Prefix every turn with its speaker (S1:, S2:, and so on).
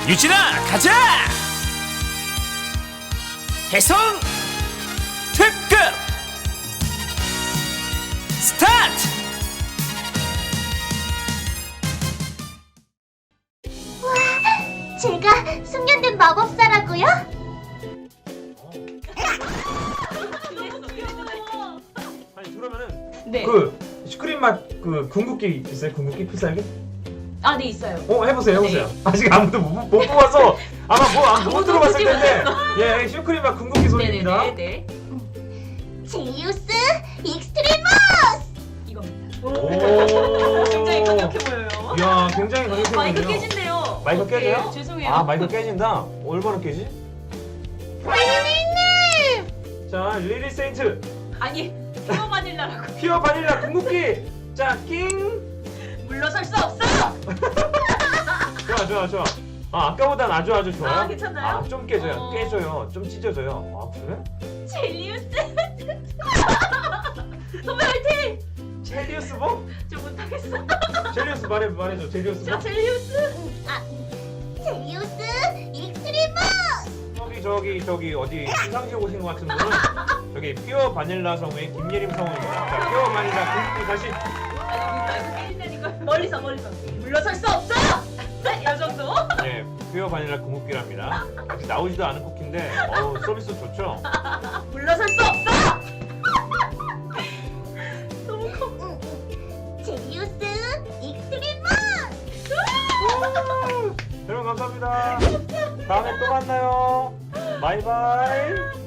S1: 유진아 가자! 해성 특급 스타트!
S2: 제가 숙련된 마법사라고요?
S3: 아니 그러면은
S4: 네.
S3: 그 슈크림 맛 그 궁극기 있어요? 궁극기 필살기?
S4: 아, 네, 있어요.
S3: 해보세요. 아직 아무도 못 뽑아서 아마 못
S4: 아무도
S3: 들어봤을
S4: 보지
S3: 텐데 예 슈크림 맛 궁극기 소리입니다.
S4: 네네네.
S2: 제이우스 익스트리머스!
S4: 이겁니다.
S3: 오.
S4: 굉장히 강력해 보여요.
S3: 이야 굉장히 강력해
S4: 마이크
S3: 보이네요.
S4: 깨진대요.
S3: 마이크
S4: 어떡해.
S3: 깨져요?
S4: 죄송해요.
S3: 아 마이크 깨진다. 얼마나 깨지?
S2: 릴리님!
S3: 자 리리 세인트
S4: 아니, 피어 바닐라라고.
S3: 피어 바닐라 궁극기 자 낑.
S4: 물러설 수 없어!
S3: 좋아. 아 아까보단 아주 좋아요.
S4: 아, 괜찮나요?
S3: 좀 깨져요.
S4: 어.
S3: 깨져요. 좀 찢어져요. 아 그래?
S4: 젤리우스! 선배 화이팅!
S3: 젤리우스 뭐?
S4: 저 못하겠어.
S3: 젤리우스 말해줘. 젤리우스
S4: 저
S3: 뭐?
S4: 젤리우스!
S2: 제이우스 익스트리머스!
S3: 저기 어디 시상식 오신 것 같은 분은 저기 피어 바닐라 성우의 김예림 성우입니다. 자 피어 바닐라 궁극기 다시.
S4: 마이크 깨진다니까. 멀리서. 물러설 수 없어! 이 정도?
S3: 네 피어 바닐라 궁극기랍니다. 아직 나오지도 않은 쿠키인데 서비스 좋죠?
S4: 물러설 수 없어! 너무 커.
S2: 제이우스 익스트리머스!
S3: 여러분 감사합니다. 다음에 또 만나요. 바이바이.